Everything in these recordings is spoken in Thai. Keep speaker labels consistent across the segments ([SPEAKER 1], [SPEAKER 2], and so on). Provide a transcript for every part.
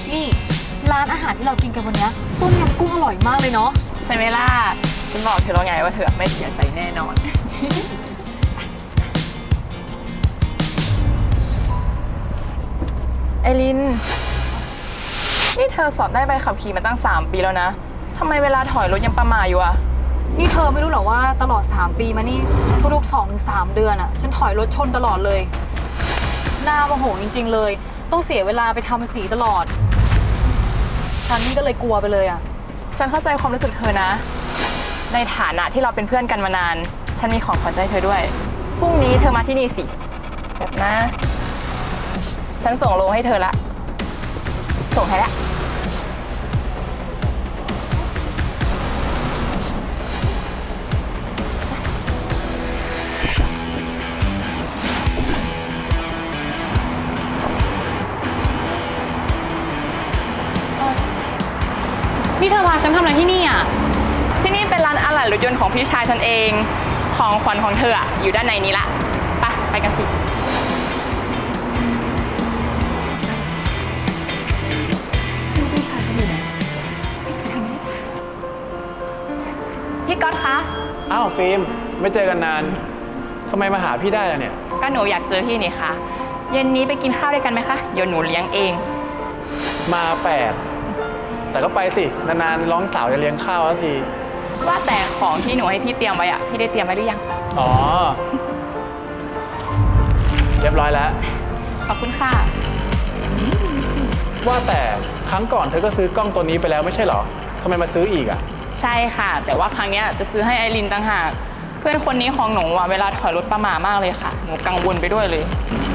[SPEAKER 1] นี่ร้านอาหารที่เรากินกันวันนี้ต้มยำกุ้งอร่อยมากเลยเนาะ
[SPEAKER 2] ใช่ไหมล่ะฉันบอกเธอแล้วไงว่าเธอไม่เสียใจแน่นอน ไอรินนี่เธอสอบได้ใบขับขี่มาตั้ง3 ปีแล้วนะทำไมเวลาถอยรถยังประมาทอยู่อะ
[SPEAKER 1] นี่เธอไม่รู้หรอว่าตลอด3 ปีมานี่ทุกๆ2-3 เดือนอะฉันถอยรถชนตลอดเลยหน้าโมโหจริงๆเลยต้องเสียเวลาไปทำสีตลอดฉันนี่ก็เลยกลัวไปเลยอะ
[SPEAKER 2] ฉันเข้าใจความรู้สึกเธอนะในฐานะที่เราเป็นเพื่อนกันมานานฉันมีของขวัญใจเธอด้วยพรุ่งนี้เธอมาที่นี่สิแบบนะฉันส่งโลให้เธอละส่งให้ละ
[SPEAKER 1] นี่เธอพาฉันทำอะไรที่นี่อ่ะ
[SPEAKER 2] ที่นี่เป็นร้านอะไหล่รถยนต์ของพี่ชายฉันเองของขวัญของเธออะอยู่ด้านในนี้ละไปกันสิพี่ชายฉันอยู่ไหนพี่ก๊อตคะ
[SPEAKER 3] อ้าวฟิล์มไม่เจอกันนานทำไมมาหาพี่ได้ล่ะเนี่ย
[SPEAKER 2] ก็หนูอยากเจอพี่นี่ค่ะเย็นนี้ไปกินข้าวด้วยกันไหมคะเดี๋ยวหนูเลี้ยงเอง
[SPEAKER 3] มาแปลกแต่ก็ไปสินานๆร้องสาวจะเลี้ยงข้าวสักที
[SPEAKER 2] ว่าแต่ของที่หนูให้พี่เตรียมไว้อะพี่ได้เตรียมไว้หรือยัง
[SPEAKER 3] อ๋อเรียบร้อยแล้ว
[SPEAKER 2] ขอบคุณค่ะ
[SPEAKER 3] ว่าแต่ครั้งก่อนเธอก็ซื้อกล้องตัวนี้ไปแล้วไม่ใช่เหรอทำไมมาซื้ออีกอ่ะ
[SPEAKER 2] ใช่ค่ะแต่ว่าครั้งนี้จะซื้อให้ไอรินต่างหากเพื่อนคนนี้ของหนูเวลาถอยรถประมาทมากเลยค่ะหนูกังวลไปด้วยเลย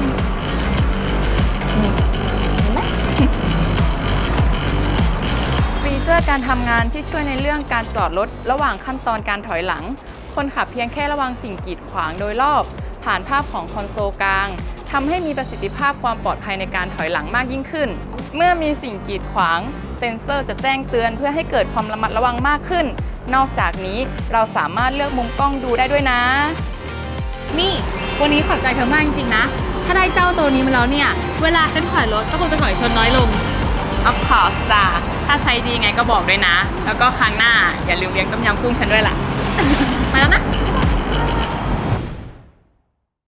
[SPEAKER 2] ฟีเจอร์การทำงานที่ช่วยในเรื่องการจอดรถระหว่างขั้นตอนการถอยหลังคนขับเพียงแค่ระวังสิ่งกีดขวางโดยรอบผ่านภาพของคอนโซลกลางทำให้มีประสิทธิภาพความปลอดภัยในการถอยหลังมากยิ่งขึ้นเมื่อมีสิ่งกีดขวางเซ็นเซอร์จะแจ้งเตือนเพื่อให้เกิดความระมัดระวังมากขึ้นนอกจากนี้เราสามารถเลือกมุมกล้องดูได้ด้วยนะ
[SPEAKER 1] นี่วันนี้ขอบใจเธอมากจริงๆนะถ้าได้เจ้าตัวนี้มาแล้วเนี่ยเวลาฉันถอยรถก็คงจะถอยชนน้อยลง
[SPEAKER 2] Of course จ้าถ้าใช้ดีไงก็บอกด้วยนะแล้วก็ครั้งหน้าอย่าลืมเลี้ยงต้มยำกุ้งฉันด้วยล่ะ
[SPEAKER 1] มาแล้วนะ